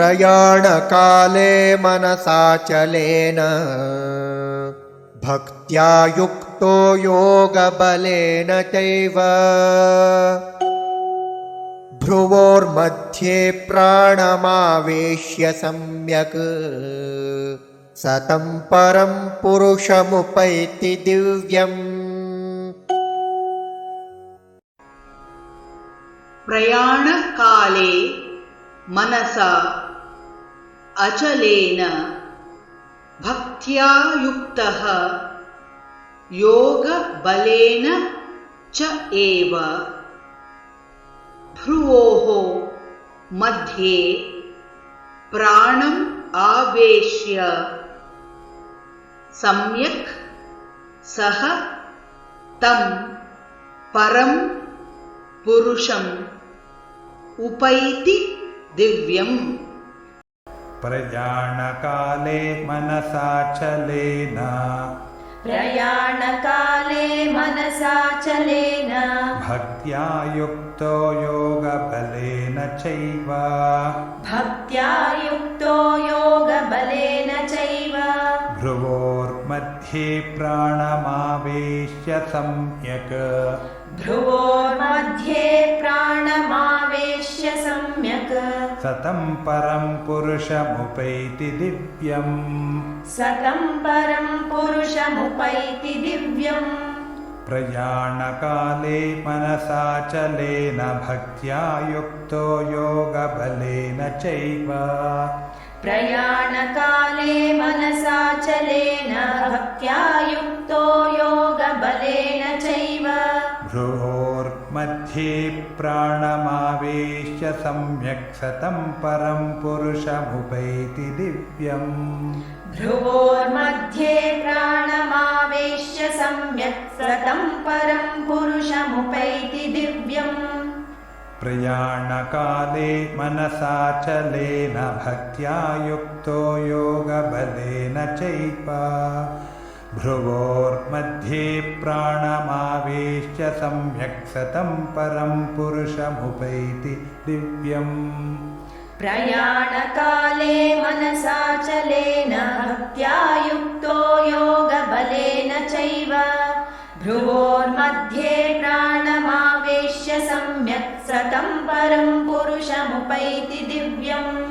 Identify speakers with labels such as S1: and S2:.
S1: प्रयाणकाले मनसाचलेन भक्त्या युक्तो योगबलेन चैव भ्रुवोर्मध्ये प्राणमावेश्य सम्यक् सतं परं पुरुषमुपैति दिव्यम्।
S2: प्रयाणकाले मनसा अचलेन भक्त्या युक्तः योगबलेन च एव भ्रुवोः मध्ये प्राणम् आवेश्य सम्यक् सः तं परं पुरुषम् उपैति दिव्यम्।
S3: प्रयाणकाले मनसाचलेन भक्त्या युक्तो योगबलेन चैव भ्रुवोर्मध्ये प्राणमावेश्य सम्यक् सतं परं पुरुषमुपैति दिव्यम्। प्रयाणकाले मनसाचलेन भक्त्या युक्तो योगबलेन चैव भ्रुवोर्मध्ये प्राणमावेश्य सम्यक् सतं परं पुरुषमुपैति दिव्यम्। प्रयाणकाले मनसाचलेन भक्त्या युक्तो योगबलेन चैव भ्रुवोर्मध्ये प्राणमावेश्य सम्यक् सतं परं पुरुषमुपैति दिव्यम्।
S4: प्रयाणकाले मनसाचलेन भक्त्या युक्तो योगबलेन चैव भ्रुवोर्मध्ये प्राणमावेश्य सम्यक् सतं परं पुरुषमुपैति दिव्यम्।